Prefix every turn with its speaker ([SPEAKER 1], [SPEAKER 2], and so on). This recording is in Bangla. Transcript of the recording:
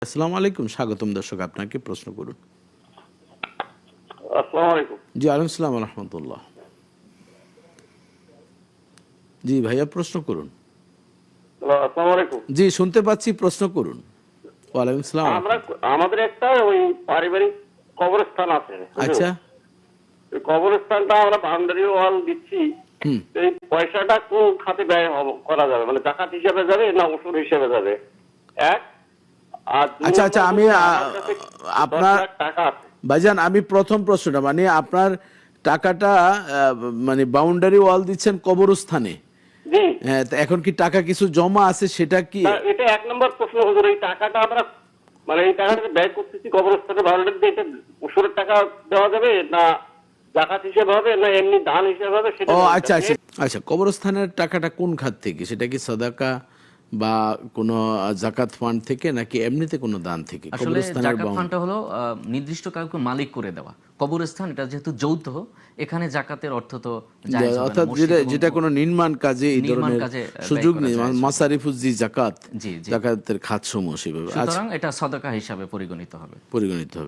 [SPEAKER 1] আসসালামু আলাইকুম, স্বাগতম দর্শক, আপনাকে প্রশ্ন করুন।
[SPEAKER 2] আসসালামু আলাইকুম।
[SPEAKER 1] জি, আলাইকুম সালাম রহমতুল্লাহ। জি ভাইয়া, প্রশ্ন করুন।
[SPEAKER 2] আসসালামু আলাইকুম।
[SPEAKER 1] জি, শুনতে পাচ্ছি, প্রশ্ন করুন। ওয়ালাইকুম সালাম।
[SPEAKER 2] আমাদের একটা ওই পারিবারিক কবরস্থান আছে।
[SPEAKER 1] আচ্ছা।
[SPEAKER 2] ওই কবরস্থানটা আমরা বাউন্ডারি ওয়াল দিচ্ছি।
[SPEAKER 1] হুম।
[SPEAKER 2] এই পয়সাটা কোন খাতে ব্যয় করা যাবে, মানে জাকাত হিসেবে যাবে না ওষুধ হিসেবে যাবে? এক। আর দুই
[SPEAKER 1] আচ্ছা আচ্ছা,
[SPEAKER 2] নম্বর
[SPEAKER 1] আমি
[SPEAKER 2] হচ্ছে আমার কাছে 10
[SPEAKER 1] আপনার
[SPEAKER 2] লাখ টাকা আছে।
[SPEAKER 1] ভাইজান, আমি প্রথম প্রশ্নটা মানে আপনার টাকাটা মানে বাউন্ডারি ওয়াল দিচ্ছেন কবরস্থানে,
[SPEAKER 2] জি।
[SPEAKER 1] হ্যাঁ, তো এখন কি টাকা কিছু জমা আছে, সেটা কি?
[SPEAKER 2] না, এটা এক নম্বর প্রশ্ন হুজুর। এই টাকাটা আমরা মানে এই টাকাটা ব্যয় করতেছি কবরস্থানে বাউন্ডারি দিয়ে, এটা ওষুধের টাকা দেওয়া যাবে না জাকাত হিসেবে হবে না এমনি দান হিসেবে হবে সেটা
[SPEAKER 1] ও
[SPEAKER 2] জানতে
[SPEAKER 1] আচ্ছা
[SPEAKER 2] চাই।
[SPEAKER 1] আচ্ছা আচ্ছা, কবরস্থানের টাকাটা কোন খাত থেকে? সেটা কি সাদাকা বা কোনো জাকাত ফান্ড থেকে, নাকি এমনিতে কোনো দান থেকে?
[SPEAKER 3] আসলে
[SPEAKER 1] কবরস্থানের
[SPEAKER 3] জাকাত ফান্ডটা হলো নির্দিষ্ট কাউকে মালিক করে দেওয়া। কবরস্থান এটা যেহেতু যৌথ, এখানে জাকাতের অর্থ তো জায়েজ হবে না।
[SPEAKER 1] অর্থাৎ
[SPEAKER 3] মসজিদ এবং
[SPEAKER 1] যেটা কোনো নির্মাণ কাজে এই
[SPEAKER 3] নির্মাণ
[SPEAKER 1] ধরনের
[SPEAKER 3] কাজে
[SPEAKER 1] সুযোগ
[SPEAKER 3] ব্যয়
[SPEAKER 1] নেই,
[SPEAKER 3] করা যায়।
[SPEAKER 1] মাসারিফুজি জাকাত,
[SPEAKER 3] জি জি।
[SPEAKER 1] জাকাতের খাতসমূহ সেভাবে
[SPEAKER 3] সুতরাং এটা সদকা হিসাবে পরিগণিত হবে।
[SPEAKER 1] পরিগণিত হবে।